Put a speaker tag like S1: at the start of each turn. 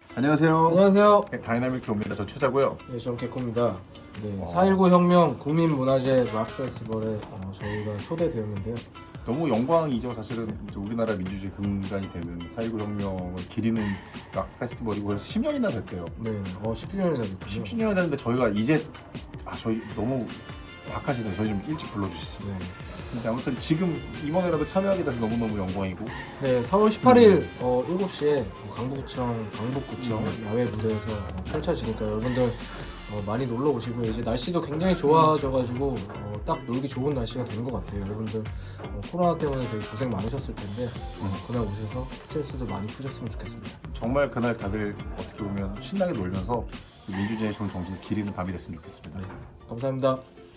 S1: 안녕하세요.
S2: 안녕하세요.
S1: 네, 다이나믹 교입니다. 저 최자고요.
S2: 네, 전 개코입니다. 네, 4.19 혁명 국민문화재 락 페스티벌에 저희가 초대되었는데요.
S1: 너무 영광이죠. 사실은 이제 우리나라 민주주의 근간이 되는 4.19 혁명을 기리는 락 페스티벌이고 그래서 10년이나 됐대요.
S2: 네, 10주년이나 됐군요.
S1: 10주년이 됐는데 저희가 이제 저희 너무 박하시네요. 저희 좀 일찍 불러주시지.
S2: 네.
S1: 근데 아무튼 지금 이번에라도 참여하게 돼서 너무너무 영광이고
S2: 네, 4월 18일 7시에 강북구청 야외 무대에서 펼쳐지니까 여러분들 많이 놀러 오시고요. 이제 날씨도 굉장히 좋아져가지고 딱 놀기 좋은 날씨가 된 것 같아요. 여러분들 코로나 때문에 되게 고생 많으셨을 텐데 그날 오셔서 스트레스도 많이 푸셨으면 좋겠습니다.
S1: 정말 그날 다들 어떻게 보면 신나게 놀면서 민주주의의 좋은 정신을 기리는 밤이 됐으면 좋겠습니다.
S2: 네, 감사합니다.